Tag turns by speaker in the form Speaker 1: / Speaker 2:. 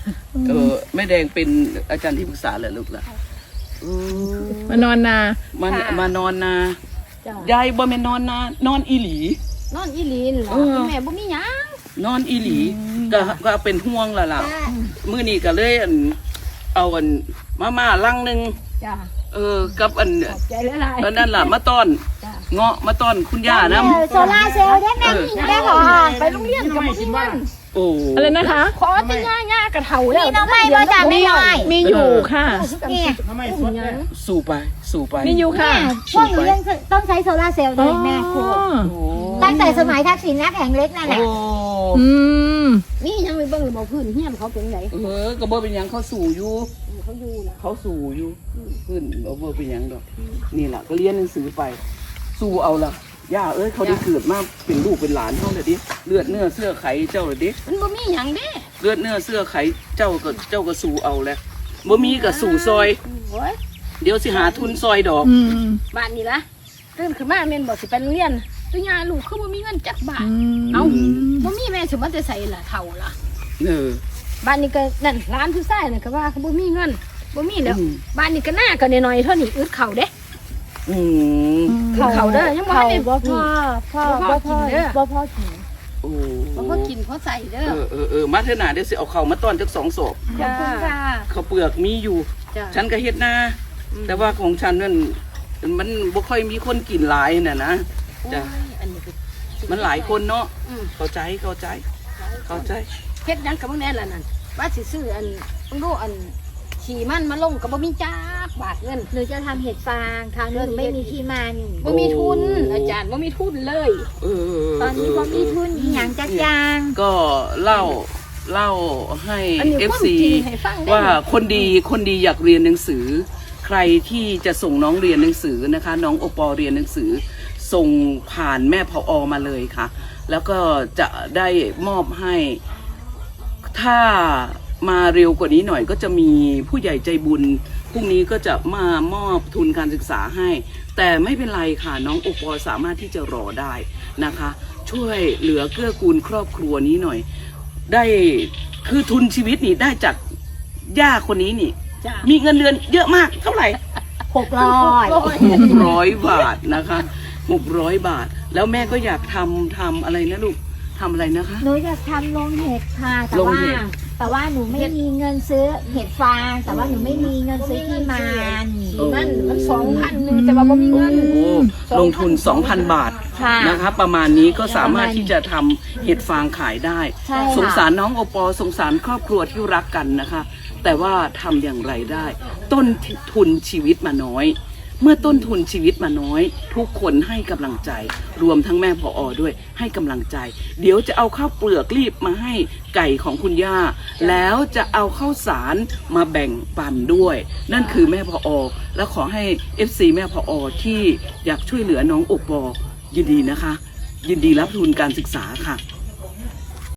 Speaker 1: แม่แดงเป็นอาจารย์ที่ปรึกษาเหรอลูกล่ะ
Speaker 2: มานอนนาม
Speaker 1: านอนนายายบ่แม่นอนนานอนอีหลี
Speaker 3: นอนอีหลีเหรอแม่บ่มีหยัง
Speaker 1: นอนอีหลีก็เป็นห่วงล่ะมื้อนี้ก็เลยเอามาลังนึงกับ
Speaker 3: ใจละลาย
Speaker 1: นั่นล่ะมาต้อนเงาะมาต้อนคุณย่านะ
Speaker 4: โซล่าเซลล์ได้แม่ได้หรอ
Speaker 3: ไปโรงเรียนกับบ่มีเงิน
Speaker 1: โอ้
Speaker 2: อะไรนะคะ
Speaker 3: ขอแต่ย่ากระเถาแล้ว
Speaker 4: มีน้องไม่ก็จะไม่น้อย
Speaker 2: มีอยู่ค่ะ
Speaker 4: เนี่ย
Speaker 1: สู่ไป
Speaker 2: มีอยู่ค่ะ
Speaker 4: พวกหนูยังต้องใช้โซล่าเซลล์ด้วยแม่ครูตั้งแต่สมัยทักษิณนะแผงเล็กนั่นแหละ
Speaker 3: นี่ยังไปเบิ่งระบบพื้นเฮียนเขาเป็นไง
Speaker 1: ก็บ่เป็นหยังเขาสู่อยู่
Speaker 3: เขา
Speaker 1: สู่อยู่พื้นบ่เป็นหยังดอกนี่ล่ะก็เรียนหนังสือไปสู่เอาล่ะย่าเขาได้เกิดมาเป็นลูกเป็นหลานเขาเลยดิเลือดเนื้อเสื้อไขเจ้าเลยดิ
Speaker 3: มันบ่มีหยังเด้
Speaker 1: เลือดเนื้อเสื้อไขเจ้าก็สู่เอาแหละบ่มีก็สู่ซอยเดี๋ยวสิหาทุนซอยดอก
Speaker 3: บ้านนี่ล่ะตื่นขึ้นมาแม่นบ่สิไปโรงเรียนตัวยาลูกคือบ่มีเงินจักบาทเอ้าบ่มีแม่สิมาแต่ไสล่ะเฒ่าล่ะบ้านนี้ก็นั่นร้านผู้ชายน่ะก็ว่าเขาบ่มีเงินบ่มีแล้วบ้านนี้ก็หน้าก็น้อยๆเท่านี้อึดข้าวเด้เขาเด้อยังบ่ได้
Speaker 4: พ่อกิน
Speaker 3: พอใส่เด้
Speaker 1: อมาเถอะน่ะเดี๋ยวสิเอาข้าวมาต้อนจัก2 ศพข้าวเปลือกมีอยู่ฉันก็เฮ็ดนาแต่ว่าของฉันนั่นมันบ่ค่อยมีคนกินหลายน่ะนะจ้ะมันหลายคนเนาะเข้าใจเ
Speaker 3: ฮ็ดหยังกับบ่แน่ล่ะนั่นว่าสิซื้อต้องดูขี่มันมาลงกับบ่มีจักบาทเงิน
Speaker 4: หนูจะทำเห็ดฟางคราวนี้ไม่มีที่มานี่
Speaker 3: บ่มีทุนอาจารย์บ่มีทุนเลย
Speaker 4: ตอนนี้บ่มีทุนอีหยังจักอย่าง
Speaker 1: ก็เล่าให้ FC ว่าคนดีอยากเรียนหนังสือใครที่จะส่งน้องเรียนหนังสือนะคะน้องโอปอเรียนหนังสือส่งผ่านแม่ผอ.มาเลยค่ะแล้วก็จะได้มอบให้ถ้ามาเร็วกว่านี้หน่อยก็จะมีผู้ใหญ่ใจบุญพรุ่งนี้ก็จะมามอบทุนการศึกษาให้แต่ไม่เป็นไรค่ะน้องโอปอสามารถที่จะรอได้นะคะช่วยเหลือเกื้อกูลครอบครัวนี้หน่อยได้คือทุนชีวิตนี่ได้จากย่าคนนี้นี่มีเงินเดือนเยอะมากเท่าไหร่600 บาทนะคะ600 บาทแล้วแม่ก็อยากทำอะไรนะลูกทำอะไรนะคะ
Speaker 4: หนูอยากทำโรงเห็ดค่ะแต่ว่าหนูไม่มีเงินซื้อเห็ดฟางแต่ว่าหนูไม่มีเงินซื้อที่มัน
Speaker 3: 2,000 นึงแต่ว่าบ่มีเงิน
Speaker 1: ลงทุน 2,000 บาทนะคะประมาณนี้ก็สามารถที่จะทำเห็ดฟางขายได้สงสารน้องโอปอสงสารครอบครัวที่รักกันนะคะแต่ว่าทำอย่างไรได้ต้นทุนชีวิตมาน้อยเมื่อต้นทุนชีวิตมาน้อยทุกคนให้กำลังใจรวมทั้งแม่ผอ.ด้วยให้กำลังใจเดี๋ยวจะเอาข้าวเปลือกรีบมาให้ไก่ของคุณย่าแล้วจะเอาข้าวสารมาแบ่งปันด้วยนั่นคือแม่ผอ.และขอให้ FC แม่ผอ.ที่อยากช่วยเหลือน้องโอปอยินดีนะคะยินดีรับทุนการศึกษาค่ะ